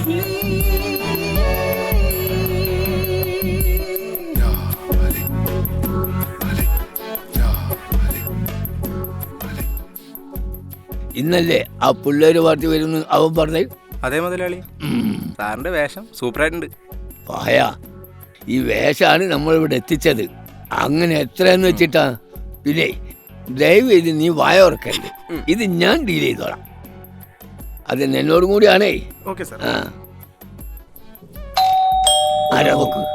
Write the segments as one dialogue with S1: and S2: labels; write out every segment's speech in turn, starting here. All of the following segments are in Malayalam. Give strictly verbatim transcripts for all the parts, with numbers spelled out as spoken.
S1: ഇന്നല്ലേ ആ പിള്ളേര് പാർട്ടി വരുന്നു അവൻ പറഞ്ഞു?
S2: അതേ മുതലാളി, സാറിന്റെ വേഷം സൂപ്പറായിട്ടുണ്ട്.
S1: പായ, ഈ വേഷമാണ് നമ്മളിവിടെ എത്തിച്ചത്. അങ്ങനെ എത്രയെന്ന് വെച്ചിട്ടാ? പിന്നെ ദയവ് ചെയ്ത് നീ വായ ഓർക്കരുത്, ഇത് ഞാൻ ഡീൽ ചെയ്തോളാം. അത് എന്നോടും കൂടിയാണേ.
S2: Okay sir.
S1: ആ ആരാ നോക്ക്.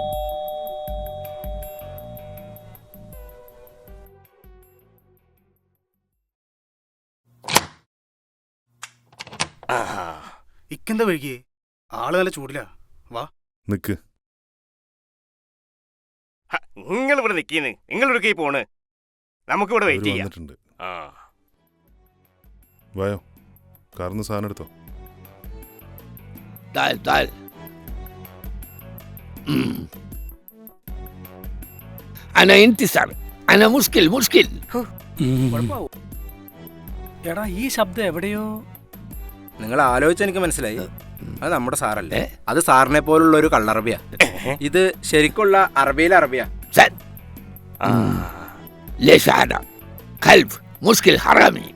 S3: ഇക്കെന്താ വൈകിയേ? ആള് നല്ല ചൂടിലാ. വാ
S4: നിക്ക്.
S5: നിങ്ങൾ ഇവിടെ നിൽക്കുന്നു, നിങ്ങൾ ഇവിടെ പോണ്, നമുക്ക് ഇവിടെ വെയിറ്റ് ചെയ്യാം.
S4: വന്നിട്ടുണ്ട്. വായോ, കാർന്ന് സാധനം എടുത്തോ.
S1: താൽ താൽ. അന ഇന്തിസാർ, അന മുഷ്കിൽ മുഷ്കിൽ.
S3: എടാ, ഈ ശബ്ദം എവിടെയോ.
S2: നിങ്ങൾ ആലോചിച്ച എനിക്ക് മനസ്സിലായി, അത് നമ്മുടെ സാറല്ലേ. അത് സാറിനെ പോലുള്ള ഒരു കള്ളറബിയാ. ഇത് ശരിക്കുള്ള അറബിയിലെ അറബിയാ.
S1: ليش هذا؟ كلب مشكل حرامي.